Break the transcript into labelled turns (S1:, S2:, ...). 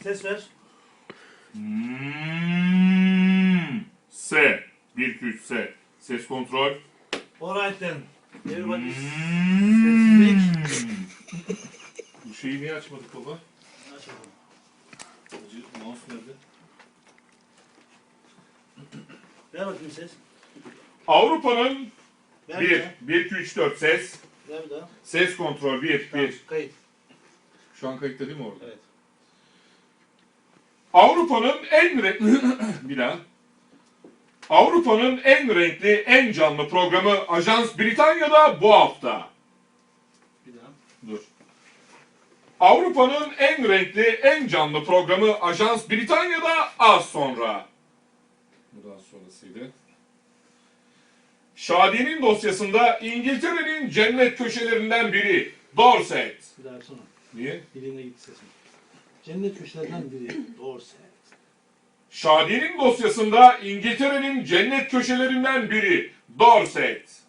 S1: Ses ver.
S2: S. 1, 2, 3, S. Ses kontrol.
S1: Alright then. Everybody sessizlik.
S2: Bu şeyi niye açmadık baba?
S1: Aç bakalım.
S2: Mouse nerede?
S1: Ver bakayım ses.
S2: Avrupa'nın
S1: Ver
S2: 1,
S1: daha.
S2: 1, 2, 3, 4 ses.
S1: Ver bir daha.
S2: Ses kontrol 1,
S1: Tamam,
S2: 1.
S1: kayıt.
S2: Şu an kayıtta değil mi orada?
S1: Evet.
S2: Avrupa'nın en bir daha. Avrupa'nın en renkli, en canlı programı Ajans Britanya'da bu hafta.
S1: Bir daha.
S2: Dur. Avrupa'nın en renkli, en canlı programı Ajans Britanya'da az sonra. Bu daha sonrasıydı. Şadiye'nin dosyasında İngiltere'nin cennet köşelerinden biri Dorset.
S1: Bir daha yapsana.
S2: Niye?
S1: Diline gitti sesin. Cennet köşelerinden biri. Dorset.
S2: Şadiye'nin dosyasında İngiltere'nin cennet köşelerinden biri Dorset.